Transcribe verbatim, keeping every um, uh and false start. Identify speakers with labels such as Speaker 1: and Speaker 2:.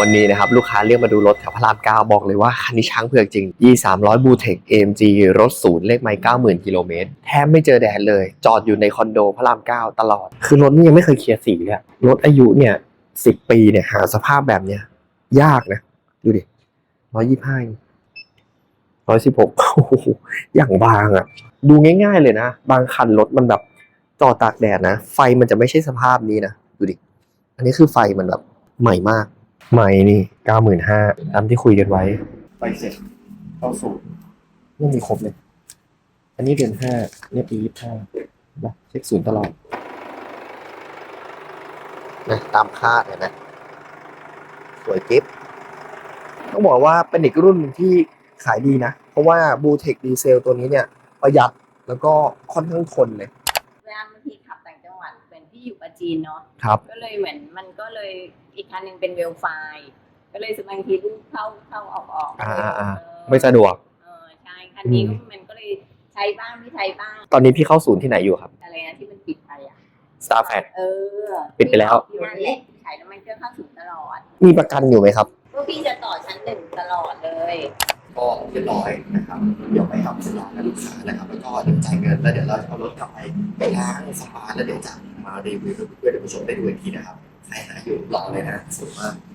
Speaker 1: วันนี้นะครับลูกค้าเรียกมาดูรถแถวพระรามเก้าบอกเลยว่าคันนี้ช้างเผือกจริง อี สามร้อย บูเทค เอ เอ็ม จี รถศูนย์เลขไมล์ เก้าหมื่น กิโลเมตรแทบไม่เจอแดดเลยจอดอยู่ในคอนโดพระรามเก้าตลอดคือรถนี่ยังไม่เคยเคลียร์สีเลยรถอายุเนี่ยสิบปีเนี่ยหาสภาพแบบเนี้ยยากนะดูดิร้อยยี่สิบห้าร้อยสิบหกโอ้โหอย่างบางอ่ะดูง่ายๆเลยนะบางคันรถมันแบบจอดตากแดดนะไฟมันจะไม่ใช่สภาพนี้นะดูดิอันนี้คือไฟมันแบบใหม่มากใหม่นี่ เก้าหมื่นห้าพัน ตามที่คุยกันไว้ไฟเสร็จเข้าสู่ไม่มีครบเลยอันนี้เดือนห้าเนี่ยปียี่สิบห้านะเช็คศูนย์ตลอดนะตามคาดเห็นไหมสวยกิ๊บต้องบอกว่าเป็นอีกรุ่นที่ขายดีนะเพราะว่าบูเทคดีเซลตัวนี้เนี่ยประหยัดแล้วก็ค่อนข้างทนเลย
Speaker 2: เวลาบางทีขับต่างจังหวัดเป็นที่อยู่ปราจีนเนาะ
Speaker 1: ครับ
Speaker 2: ก็เลยเหมือนมันก็เลยอีกคันหนึ่งเป็นเวลไฟก็เลยบางทีลูกเข้าเข้าออกออก
Speaker 1: อ่าอ่าไม่สะดวก
Speaker 2: เออใช่คันนี้มันก็เลยใช้บ้างไม่ใช้บ้าง
Speaker 1: ตอนนี้พี่เข้าศูนย์ที่ไหนอยู่ครับ
Speaker 2: อะไรนะที่มันปิดไปอ่ะ
Speaker 1: Starfat
Speaker 2: เออ
Speaker 1: ปิดไปแล้ว
Speaker 2: นั่นแหละขายน้ำมันเครื่องเข้าศูนย์ตลอด
Speaker 1: มีประกันอยู่ไหมครับ
Speaker 2: พวกพี่จะต่อชั้นหนึ่งตลอดเลย
Speaker 1: ก็เรียบร้อยนะครับเดี๋ยวไปทำสัญญากับลูกค้านะครับแล้วก็เดี๋ยวจ่ายเงินแล้วเดี๋ยวเราจะเอารถกลับไปไปล้างสปาแล้วเดี๋ยวจะมารีวิวเพื่อให้ผู้ชมได้ดูอีกทีนะครับใครหาอยู่รอเลยนะสวยมาก